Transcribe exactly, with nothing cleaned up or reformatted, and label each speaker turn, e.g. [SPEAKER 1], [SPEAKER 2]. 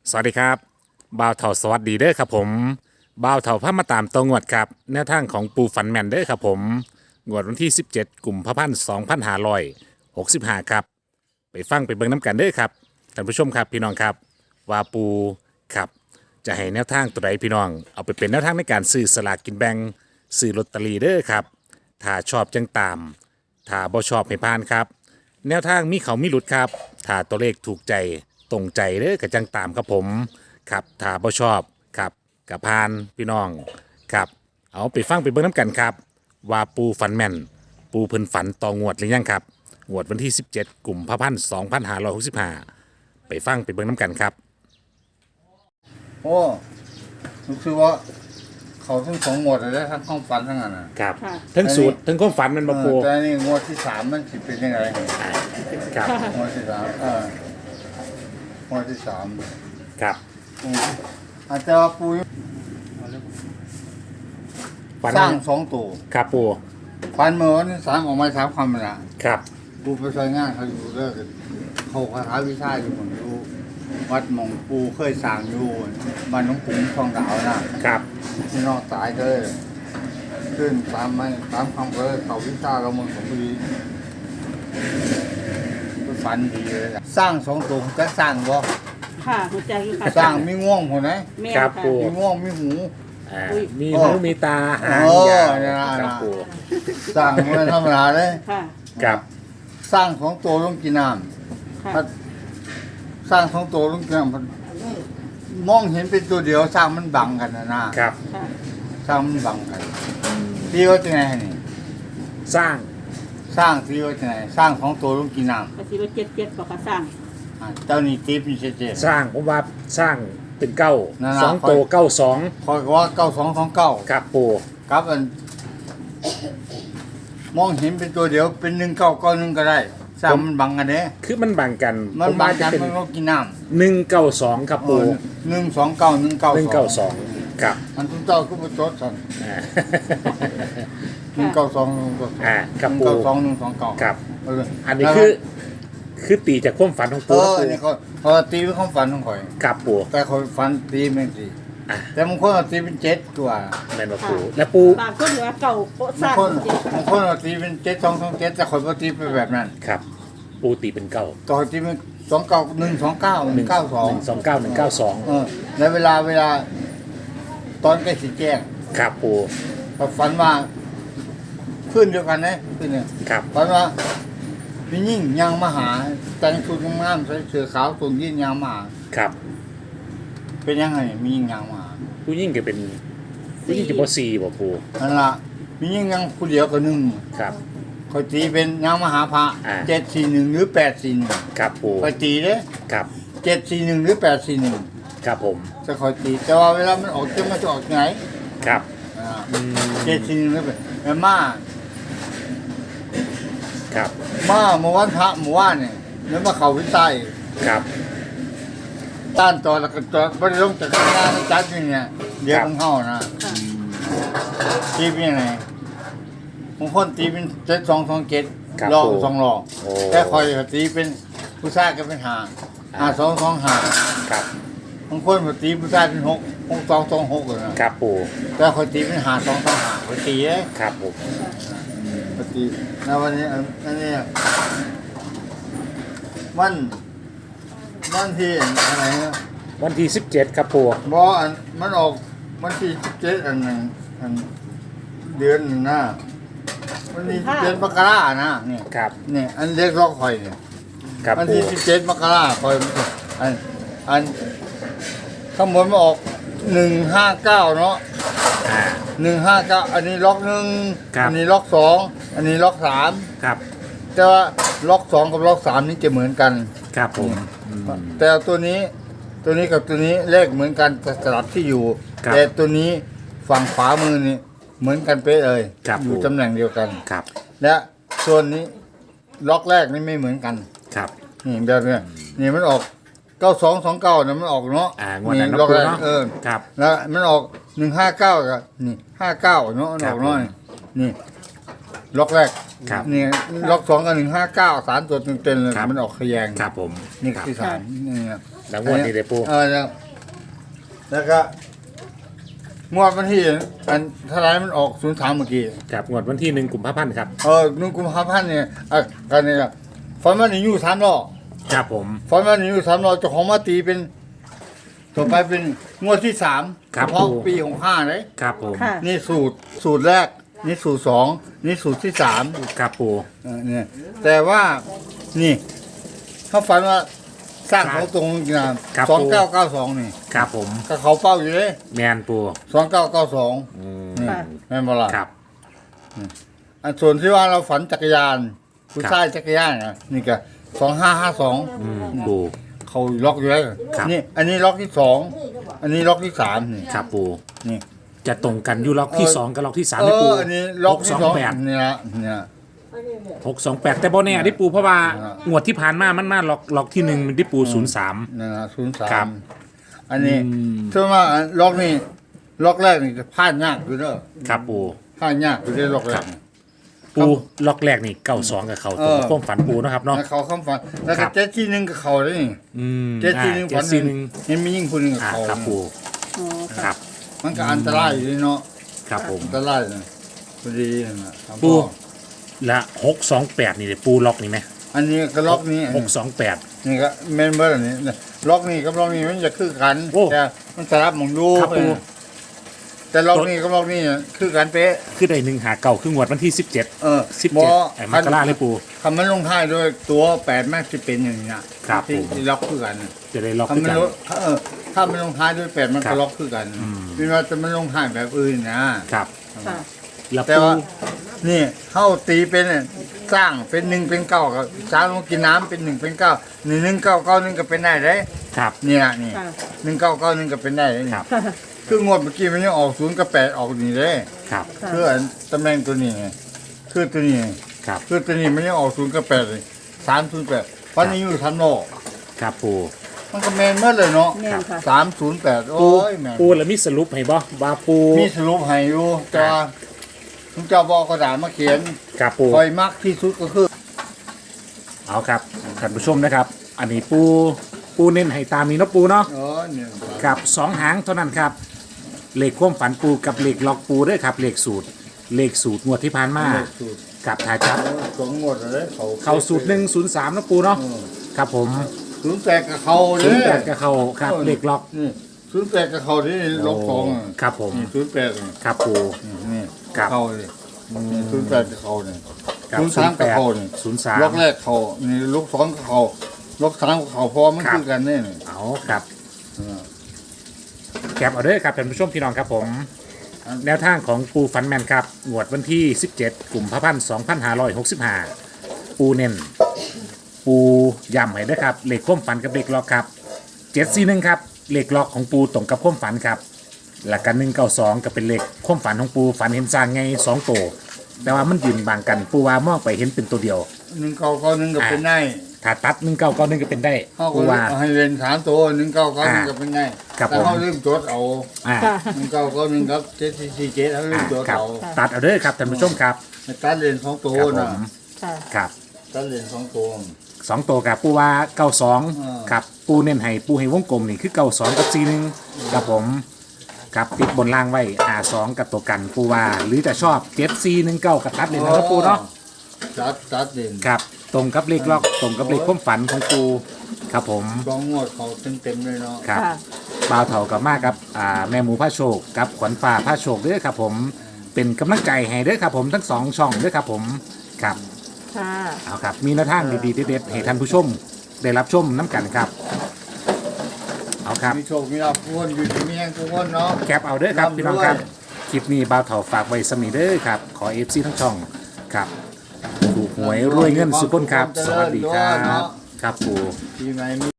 [SPEAKER 1] สวัสดีครับบ่าวเถาสวัสดีเด้อครับผมบ่าวเถาพามาตามตองวดครับแนวทางของปูฝันแมนเด้อครับผมงวดวันที่สิบเจ็ดกุมภาพันธ์สองพันห้าร้อยหกสิบห้าครับไปฟังไปเบิ่งน้ำกันเด้อครับท่านผู้ชมครับพี่น้องครับว่าปูครับจะให้แนวทางตัวใดพี่น้องเอาไปเป็นแนวทางในการซื้อสลากกินแบ่งซื้อลอตเตอรี่เด้อครับถ้าชอบจังตามถ้าบ่ชอบให้ผ่านครับแนวทางมีเขามีหลุดครับถ้าตัวเลขถูกใจตรงใจเด้อกับจังตามครับผมครับถ้าบ่ชอบครับกับพานพี่น้องครับเอาไปฟังไปเบิ่งน้ำกันครับว่าปูฝันแม่นปูเพิ่นฝันต่องวดหรือยังครับงวดวันที่สิบเจ็ดกุมภาพันธ์สองพันห้าร้อยหกสิบห้าไปฟังไปเบิ่งน้ำกันครับ
[SPEAKER 2] โอ้รู้สึกว่าเขาทั้งสองงวดเลยนะทั้งความฝันทั้งนั้นน่ะ
[SPEAKER 1] ครับ
[SPEAKER 3] ค่ะ
[SPEAKER 1] ทั้งสูตรทั้งความฝันมันมาปู
[SPEAKER 2] เออแต่นี่งวดที่สามมันสิเป็นยังไง
[SPEAKER 1] ครับ
[SPEAKER 2] งวดที่สามเอองวดที่สาม
[SPEAKER 1] ครับ
[SPEAKER 2] อืมอาจจะว่าปู
[SPEAKER 1] ฝัน
[SPEAKER 2] สร้างสองตัว
[SPEAKER 1] ครับปู
[SPEAKER 2] ฝันเมื่อวันที่สามออกมาสามคำนะ
[SPEAKER 1] ครับ
[SPEAKER 2] ปูไปใช้งานเขาอยู่เลิกเขาคาถาวิชาอยู่ผมอยู่วัดหมองปูเคยสร้างอยู่บ้านน้องปุ๋งทองดาวนะครับ ที่นอกตายก็เลยขึ้นตามไม่ตามคำก็เลยเขาวิชาเราเมืองของพอดีก็ฝันดีเลยอะสร้างสองตัวจะสร้างบ่
[SPEAKER 3] ค่ะหัวใจอยู่ค่ะ
[SPEAKER 2] สร้างมีง่วงหัวไหน
[SPEAKER 3] แม่
[SPEAKER 1] ครับ
[SPEAKER 3] ค่ะ
[SPEAKER 1] ปู
[SPEAKER 2] มีง่วงมีหู
[SPEAKER 1] อ่า
[SPEAKER 3] อุ้ย
[SPEAKER 1] มี
[SPEAKER 2] โอ้
[SPEAKER 1] หูมีตาหาง
[SPEAKER 2] โอ้
[SPEAKER 1] ยาว
[SPEAKER 2] เนี่ยนะ
[SPEAKER 1] ครับปู
[SPEAKER 2] สร้างไม่ธรรมดาเลย
[SPEAKER 3] ค่ะ
[SPEAKER 1] ครับ
[SPEAKER 2] สร้างของตัวลงกินน้
[SPEAKER 3] ค่ะ
[SPEAKER 2] ำสร้างของตัวลงกินน้ำมันมองเห็นเป็นตัวเดียวสร้างมันบังกันนะนะครับ
[SPEAKER 3] ค่ะ
[SPEAKER 2] สร้างมันบังกันที่ว่าจะไงนี่
[SPEAKER 1] สร้าง
[SPEAKER 2] สร้างที่ว่าจะไงสร้างของตัวลงกินน้
[SPEAKER 3] กระสีรถเจ็ดเจ็ดบอกค่ะสร้าง
[SPEAKER 2] ำอ่าเจ้านี่ติ๊บนี่เจ๊
[SPEAKER 1] สร้างผมว่าสร้างเป็นเก้า
[SPEAKER 2] นั่นล่ะ
[SPEAKER 1] สองโตเก้าสอง
[SPEAKER 2] คอยก็ว่าเก้าสองสองเก้า
[SPEAKER 1] ครับปู
[SPEAKER 2] ครับอันมองเห็นเป็นตัวเดียวเป็นหนึ่งเก้าก้อนหนึ่งก็ได้สร้างมันบังกันเด้
[SPEAKER 1] คือมันบังกัน
[SPEAKER 2] มัน
[SPEAKER 1] ผม
[SPEAKER 2] บั
[SPEAKER 1] ว่าง จะ
[SPEAKER 2] กัน
[SPEAKER 1] เป็น
[SPEAKER 2] มันก็กินน้
[SPEAKER 1] หนึ่งเก้าสองครับ
[SPEAKER 2] ำ
[SPEAKER 1] ปู
[SPEAKER 2] หนึ่งสองเก้าหนึ่งเก้า
[SPEAKER 1] หนึ่งเก้าสองครับ
[SPEAKER 2] อันทุกเจ้าก็ไปจดสั่น
[SPEAKER 1] อ่า
[SPEAKER 2] หนึ่งเก้าสองหนึ่งเก้าสอง
[SPEAKER 1] อ่าครับ
[SPEAKER 2] หนึ่ง
[SPEAKER 1] ปู
[SPEAKER 2] เก้าสองหนึ่งสองเก้า
[SPEAKER 1] ครับ
[SPEAKER 2] เออ
[SPEAKER 1] อันนี้คือคือตีจากความฝันของ
[SPEAKER 2] เอ
[SPEAKER 1] ปู
[SPEAKER 2] อ
[SPEAKER 1] ครับ
[SPEAKER 2] อั
[SPEAKER 1] ปู
[SPEAKER 2] นนี้เขาเขาตีเป็นความฝันของข่อย
[SPEAKER 1] ครับปู
[SPEAKER 2] แต่ข่อยฝันตีเป็นสี่
[SPEAKER 1] อ่ะ
[SPEAKER 2] แต่บางคนเอาตีเป็นเจ็ดตัว
[SPEAKER 1] แมนว่าปูและปู
[SPEAKER 3] บางคนเหลือเก่าโปะส
[SPEAKER 2] บา
[SPEAKER 3] ร้าง ง
[SPEAKER 2] คน
[SPEAKER 3] เจ็ด
[SPEAKER 2] บางคนเอาตีเป็นเจ็ดสองสองเจ็ดแต่ข่อยบ่ตีไปแบบนั้น
[SPEAKER 1] ครับ ปูตีเป็นเก้า
[SPEAKER 2] ต่อตีเป็นสองเก้าหนึ่งสองเก้าหนึ่งเก้าสอง
[SPEAKER 1] หนึ่งสองเก้าหนึ่งเก้าสอง
[SPEAKER 2] เออแล้วเวลาเวลา ตอนใกล้สิแจ้ง
[SPEAKER 1] ครับปู
[SPEAKER 2] ก็ฝันว่าขึ้นเดียวกันนะขึ้นเนี่ย
[SPEAKER 1] ครับ
[SPEAKER 2] ฝันว่าพี่ยิ่งยางมาหา แต่งชุดงามๆใส่เสื้อขาวสูงยิ่งยางมาหา
[SPEAKER 1] ครับ
[SPEAKER 2] เป็นยังไงมียิ่งยางมาหา
[SPEAKER 1] ผู้ยิ่งจะเป็นผู้ยิ่งจะบอซีบ่ปู
[SPEAKER 2] นั่นละมียิ่งยังผู้เดียวก็หนึ่ง
[SPEAKER 1] ครับ
[SPEAKER 2] คอยตีเป็นยางมหาพระ
[SPEAKER 1] อ่า
[SPEAKER 2] เจ็ดสี่หนึ่งหรือแปดสี่หนึ่ง
[SPEAKER 1] ครับปู
[SPEAKER 2] คอยตีเด้
[SPEAKER 1] ครับ
[SPEAKER 2] เจ็ดสี่หนึ่งหรือแปดสี่หนึ่ง
[SPEAKER 1] ครับผม
[SPEAKER 2] จะคอยตีแต่ว่าเวลามันออกจะมันจะออกไง
[SPEAKER 1] ครับ
[SPEAKER 2] อ่า
[SPEAKER 1] อืม
[SPEAKER 2] เจ็ดสี่หนึ่งหรือแปดแต่มา
[SPEAKER 1] ครับ
[SPEAKER 2] มาเมื่อวันพระเมื่อวานเนี่ยแล้วมาเขาวิจัย
[SPEAKER 1] ครับ
[SPEAKER 2] ต้านต่อแล้วก็ต่อบริลงจากข้างหน้าจัดอย่างเนี่ยเดี๋ยวมันเข้านะ
[SPEAKER 3] ค่ะ
[SPEAKER 2] ตีเป็นยังไงบางคนตีเป็นเจ็ดสองสองเจ็ด
[SPEAKER 1] ครับ
[SPEAKER 2] ลอง
[SPEAKER 1] ผม
[SPEAKER 2] สองลอง
[SPEAKER 1] โอ้
[SPEAKER 2] แต่คอยตีเป็นผู้ชายก็เป็นหาหาสองสองหา
[SPEAKER 1] ครับ
[SPEAKER 2] บางคนก็ตีผู้ชายเป็นหกหกสองสองหกเลยนะครับ
[SPEAKER 1] ปู
[SPEAKER 2] แต่คอยตีเป็นหาสองสองหาคอยตีเอ้
[SPEAKER 1] ครับผม
[SPEAKER 2] คอยตีแล้ววันนี้อันนี้มันมันที่อะไรนะ
[SPEAKER 1] วันที่สิบเจ็ดครับปู
[SPEAKER 2] บออันมันออกมันที่สิบเจ็ดอันหนึ่งอันเดือนหนึ่งนะมันที่สิบเจ็ดมกรานะเนี่ย
[SPEAKER 1] ครับ
[SPEAKER 2] เนี่ยอันเล็กล็อกคอยเนี่ย
[SPEAKER 1] ครับ
[SPEAKER 2] วัน
[SPEAKER 1] ปู
[SPEAKER 2] ที่สิบเจ็ดมกราคอยอันอันข้างบนมันออกหนึ่งห้าเก้าเนาะ
[SPEAKER 1] อ่า
[SPEAKER 2] หนึ่งห้าเก้าอันนี้ล็อกหนึ่ง
[SPEAKER 1] ครับ
[SPEAKER 2] อันี้ล็อกสองอันนี้ล็อกสาม
[SPEAKER 1] ครับ
[SPEAKER 2] แต่ว่าล็อกสองกับล็อกสามนี่จะเหมือนกัน
[SPEAKER 1] ครับผมอืม
[SPEAKER 2] แต่ตัวนี้ตัวนี้กับตัวนี้เลขเหมือนกันแต่สลับที่อยู่
[SPEAKER 1] ครับ
[SPEAKER 2] แต่ตัวนี้ฝั่งขวามือนี่เหมือนกันเป๊ะเลย
[SPEAKER 1] ครับ
[SPEAKER 2] อยู่
[SPEAKER 1] ผม
[SPEAKER 2] ตำแหน่งเดียวกัน
[SPEAKER 1] ครับ
[SPEAKER 2] และส่วนนี้ล็อกแรกนี่ไม่เหมือนกัน
[SPEAKER 1] ครับ
[SPEAKER 2] นี่แบบเนี้ยนี่มันออกเก้าสองสองเก้านะมันออกเนาะ
[SPEAKER 1] อ่างวดนั้น
[SPEAKER 2] ล็อกแรก
[SPEAKER 1] เนาะ
[SPEAKER 2] เออ
[SPEAKER 1] ครับ
[SPEAKER 2] แล้วมันออกหนึ่งห้าเก้ากับนี่ห้าเก้าเนาะมันออก
[SPEAKER 1] ครับ
[SPEAKER 2] เนาะนี่ล็อกแรก
[SPEAKER 1] ครับ
[SPEAKER 2] นี่ล็อกสองกับหนึ่งห้าเก้าสามตัวเต็มๆเลย
[SPEAKER 1] ครับ
[SPEAKER 2] มันออกขยง
[SPEAKER 1] ครับผม
[SPEAKER 2] นี่
[SPEAKER 1] ครับ
[SPEAKER 2] ที่สามนี่นะ
[SPEAKER 1] คแล้วงวดนี้เลยปู
[SPEAKER 2] เออแล้วแล้วก็งวดวันที่อันเท่าไหรมันออกศูนย์สามเมื่อกี้
[SPEAKER 1] ครับงวดวันที่หนึ่งกุมภาพันธ์ครับ
[SPEAKER 2] เออนุ่งกุมภาพันธ์เนี่ยอ่ะกันเนี่ยฟันมันนี่อยู่สามรอบ
[SPEAKER 1] ครับผม
[SPEAKER 2] ฟันมันนี่อยู่สามรอบเจ้าของมาตีเป็นต่อไปเป็นงวดที่สาม
[SPEAKER 1] ครับ
[SPEAKER 2] เฉพาะ
[SPEAKER 1] ปู
[SPEAKER 2] ปีของห้าเลย
[SPEAKER 1] ครับผม
[SPEAKER 3] ค่ะ
[SPEAKER 2] นี่สูตรสูตรแรก นี่สูตรสองนี่สูตรที่สาม
[SPEAKER 1] ครับปู
[SPEAKER 2] เออเนี่ยแต่ว่านี่เขาฝันว่าสร้างเขาตรงนี้นะสองเก้าเก้าสองนี่
[SPEAKER 1] ครับผม
[SPEAKER 2] ก็เขาเป้าอยู่เลย
[SPEAKER 1] แมนปู
[SPEAKER 2] สองเก้าเก้าสอง
[SPEAKER 1] อืม
[SPEAKER 3] ค่ะ
[SPEAKER 2] แม่นบ่ล่ะ
[SPEAKER 1] ครับ
[SPEAKER 2] อันส่วนที่ว่าเราฝันจักรยานผู้
[SPEAKER 1] ครับ
[SPEAKER 2] ชายจักรยานนะนี่ก็สองห้าห้าสอง
[SPEAKER 1] อืมปู
[SPEAKER 2] เขาล็อกอยู่เลย
[SPEAKER 1] ครับ
[SPEAKER 2] นี่ อันนี้ล็อกที่สองอันนี้ล็อกที่สามนี่
[SPEAKER 1] ครับปู
[SPEAKER 2] นี่
[SPEAKER 1] จะตรงกันอยู่ล็อกที่สองกับล็อกที่สาม
[SPEAKER 2] เอ
[SPEAKER 1] ได้ปู
[SPEAKER 2] ออันนี้ล็อก
[SPEAKER 1] หก
[SPEAKER 2] ที่
[SPEAKER 1] สอง
[SPEAKER 2] สอง
[SPEAKER 1] แปด
[SPEAKER 2] เนี่ยนะเนี่ย
[SPEAKER 1] หกสองแปดแต่บอแน่ได้ปูเพราะว่า
[SPEAKER 2] อ่า
[SPEAKER 1] งวดที่ผ่านมามันมาล็อกล็อกที่หนึ่งมันได้ปูศูนย์สาม
[SPEAKER 2] นี่นะศูนย์สา
[SPEAKER 1] ครั
[SPEAKER 2] ม
[SPEAKER 1] บ
[SPEAKER 2] อันนี้
[SPEAKER 1] อืม
[SPEAKER 2] ถ้าว่าล็อกนี่ล็อกแรกนี่จะพลาดยากอยู่เด้อ
[SPEAKER 1] ครับปู
[SPEAKER 2] พลาดยากอยู่ได้ล็อกแรกนี่
[SPEAKER 1] ปูล็อกแรกนี่เก้าสองกับเขาตรง
[SPEAKER 2] เออ
[SPEAKER 1] ความฝันปูนะครับเนาะ
[SPEAKER 2] แล้วเขาคำฝันแล้ว
[SPEAKER 1] ครั
[SPEAKER 2] ก็
[SPEAKER 1] บ
[SPEAKER 2] เจ็ดที่หนึ่งกับเขาเลยนี่
[SPEAKER 1] อืม
[SPEAKER 2] เจ็ดที่หนึ่ง
[SPEAKER 1] อ่า
[SPEAKER 2] ฝัน
[SPEAKER 1] เจ็ดสี่หนึ่ง
[SPEAKER 2] เห็นมียิ่งคนหนึ่งกับ
[SPEAKER 1] อ่า
[SPEAKER 2] เขา
[SPEAKER 1] ครับปู
[SPEAKER 3] อ๋อ
[SPEAKER 1] ค
[SPEAKER 3] ค่ะ
[SPEAKER 1] รับ
[SPEAKER 2] มันก็อันตรายอยู่เนาะ
[SPEAKER 1] ครับผม
[SPEAKER 2] อันตรายนะพอดีนั่นน่ะครับ
[SPEAKER 1] ปู และหกสองแปดนี่เลยปูล็อกนี่ไหม
[SPEAKER 2] อันนี้ก็ล็อกนี้
[SPEAKER 1] หกสองแปด
[SPEAKER 2] นี่ก็แม่นเบอร์นี่ล็อกนี่กับล็อกนี่มันจะคือกัน
[SPEAKER 1] โอ้
[SPEAKER 2] แต่มันสลับหมองดู
[SPEAKER 1] ครับปู
[SPEAKER 2] แต่ล็อกนี่กับล็อกนี่คือกันเป๊ะ
[SPEAKER 1] คือได้หนึ่งหาเก่าคืองวดวันที่สิบเจ็ด
[SPEAKER 2] เออ
[SPEAKER 1] สิบ
[SPEAKER 2] บ่
[SPEAKER 1] เจ็ดไอ้มกราเลยปู
[SPEAKER 2] คำมันลงท้ายด้วยตัวแปดแม่สิเป็นอย่างนี้นะครับ ที่
[SPEAKER 1] ผม
[SPEAKER 2] ที่ล็อกคือกัน
[SPEAKER 1] จะได้ล็อก
[SPEAKER 2] ถ้า
[SPEAKER 1] คือ
[SPEAKER 2] มัน
[SPEAKER 1] กัน
[SPEAKER 2] ลงเออถ้ามันลงท้ายด้วยแปดมัน
[SPEAKER 1] ครั
[SPEAKER 2] ก็
[SPEAKER 1] บ
[SPEAKER 2] ล็อกคือกัน
[SPEAKER 1] อืม
[SPEAKER 2] เป็นว่าจะมันลงท้ายแบบอื่นนะครับ
[SPEAKER 3] ค่ะ
[SPEAKER 1] แล้ว
[SPEAKER 2] แต่
[SPEAKER 1] ปู
[SPEAKER 2] ว่านี่เข้าตีเป็นเนี่ยสร้างเป็นหนึ่งเป็นเก้ากับช้างลงกินน้ำเป็นหนึ่งเป็นเก้าหนึ่งหนึ่งเก้าเก้าหนึ่งก็เป็นได้เลย
[SPEAKER 1] ครับ
[SPEAKER 2] เนี่ยนี่
[SPEAKER 3] ค่ะ
[SPEAKER 2] หนึ่งเก้าเก้าหนึ่งก็เป็นได้เลยนี่
[SPEAKER 1] ครับ
[SPEAKER 3] ค่ะ
[SPEAKER 2] คืองวดเมื่อกี้มันยังออกศูนย์กับแปดออกนี่เลย
[SPEAKER 1] ครับ
[SPEAKER 3] ค่ะ
[SPEAKER 2] คืออันตำแหน่งตัวนี้ไงคือตัวนี้ไง
[SPEAKER 1] ครับ
[SPEAKER 2] คือตัวนี้มันยังออกศูนย์กับแปดเลยสามศูนย์แปดเพราะนี้อยู่ทันโลก
[SPEAKER 1] ครับปู
[SPEAKER 2] มันก็แมนเมื่อเลยเนาะ
[SPEAKER 3] แม่นค่ะ
[SPEAKER 2] สามศูนย์แปดโอ้
[SPEAKER 1] ปู
[SPEAKER 2] ยแมน
[SPEAKER 1] ปูแล้วมีสรุปให้บ่ว่าปู
[SPEAKER 2] มีสรุปให้อยู่แต่ว่าทุกเจ้าบอกกระดาษมาเขียน
[SPEAKER 1] ครับปู
[SPEAKER 2] คอยมักที่สุดก็คือ
[SPEAKER 1] เอาครับท่านผู้ชมนะครับ อันนี้ปูปูเน้นให้ตามนี้เนาะปูเนาะ
[SPEAKER 2] เออเนี่ย
[SPEAKER 1] กับสองหางเท่านั้นครับเลขความฝันปูกับเลขล็อกปูด้วยครับเลขสูตรเลขสูตรงวดที่ผ่านมา
[SPEAKER 2] สูตร
[SPEAKER 1] กับทายจับ
[SPEAKER 2] สองงวดเลยเขา
[SPEAKER 1] เข้าสูตรหนึ่งศูนย์สามนะปูเนาะครับผม
[SPEAKER 2] ศูนย์แปดกับเขาเล
[SPEAKER 1] ศูน
[SPEAKER 2] ย
[SPEAKER 1] ย์แปดกับเขาครับเลขล็อก
[SPEAKER 2] นี่ศูนย์แปดกับเขาที่ล็อกสองอะ
[SPEAKER 1] ครับผม
[SPEAKER 2] นี่ศูนย์แปดนี่
[SPEAKER 1] ครับปู
[SPEAKER 2] นี่
[SPEAKER 1] ครับ
[SPEAKER 2] เขาเลยนี่ศูนย์แปดกับเขาเนี่ย
[SPEAKER 1] กับ
[SPEAKER 2] ศูนย์สามกับเขาเนี่ย
[SPEAKER 1] ศูนย์สาม
[SPEAKER 2] ล็อกแรกเขานี่ล็อกสองกับเขาล็อกสามกับเขาเพราะว่ามัน
[SPEAKER 1] ครับ
[SPEAKER 2] คือกันเนี่ยนี่
[SPEAKER 1] เอาครับ
[SPEAKER 2] เออ
[SPEAKER 1] แคปเอาเด้อครับท่านผู้ชมพี่น้องครับผม แนวทางของปูฟันแมนครับงวดวันที่สิบเจ็ดกลุ่มพระพันสองพันห้าร้อยหกสิบห้าปูเน้นปูย่ำให้ด้วยครับเลขความฝันกับเลขล็อกครับเจ็ดสี่หนึ่งครับเลขล็อกของปูตรงกับความฝันครับหลักกันหนึ่งเก้าสองก็เป็นเลขความฝันของปูฝันเห็นสร้างไงสองตัวแต่ว่ามันยืนบางกันปูว่ามองไปเห็นเป็นตัวเดียว
[SPEAKER 2] หนึ่งเก้าเก้าหนึ่งก็เป็นได้
[SPEAKER 1] ถ้าตัดหนึ่งเก้าเก้าหนึ่งก็เป็นได้
[SPEAKER 2] เขาก็
[SPEAKER 1] ปูว่า
[SPEAKER 2] ให้เรียนสามตัวหนึ่งเก้าเก้าหนึ่ง
[SPEAKER 1] อ่า
[SPEAKER 2] ก็เป็นได้
[SPEAKER 1] ครับ
[SPEAKER 2] แต่
[SPEAKER 1] ผม
[SPEAKER 2] เขาลืมจดเอา
[SPEAKER 1] อ่า
[SPEAKER 3] ค่ะ
[SPEAKER 2] หนึ่งเก้าเก้าหนึ่งครับเจ็ดสี่สี่เจ็ดเขาลื
[SPEAKER 1] อ่าม
[SPEAKER 2] จด
[SPEAKER 1] ครับ
[SPEAKER 2] เอา
[SPEAKER 1] ตัดเอาเด้อครับท่านผู้ชมครับ
[SPEAKER 2] ให้ตัดเรียนสองตัว
[SPEAKER 1] ครับผ
[SPEAKER 2] นะ
[SPEAKER 1] ม
[SPEAKER 3] ค่ะ
[SPEAKER 1] ครับ
[SPEAKER 2] ตัดเรียนสองตัว
[SPEAKER 1] สองตัวกับปูว่าเก้าสอง
[SPEAKER 2] อ่า
[SPEAKER 1] ครับปูเน้นให้ปูให้วงกลมนี่คือเก้าสองกับสี่หนึ่งครับผมครับติดบนล่างไว้อาสองกับตัวกันปูว่าหรือจะชอบเจ็ดสี่หนึ่งเก้ากับตัดเลยนะครับปูเนาะ
[SPEAKER 2] ตัดตัดเรียน
[SPEAKER 1] ครับตรงกับเลขล็อกตรงกับเลขความฝันของปูครับผม
[SPEAKER 2] สองงวดเขาเต็มเต็มๆเลยเนาะ
[SPEAKER 1] ครับ
[SPEAKER 3] ค่ะ
[SPEAKER 1] บ่าวเถากับมากครับอ่าแม่หมูผ้าโชคกับขวัญฟ้าผ้าโชคด้วยครับผมเป็นกำลังใจให้ด้วยครับผมทั้งสองช่องด้วยครับผมครับ
[SPEAKER 3] ค่ะ
[SPEAKER 1] เอาครับมีแนวทางดีๆเด็ดๆให้ท่านผู้ชมได้รับชมน้ำกันครับเอาครับ
[SPEAKER 2] มีโชคมีลาภทุกคนอยู่ที่มีแห่งทุกคนเนาะ
[SPEAKER 1] แคปเอาเด้อครับ
[SPEAKER 2] ร่ำรวย
[SPEAKER 1] พี่น้องครับคลิปนี้บ่าวเถาฝากไว้สมีเด้อครับขอเอฟซีทั้งช่องครับถูกหวยรวยเงินสุขคนครับ สวัสดีครับครับปู
[SPEAKER 2] ปีใหม่มี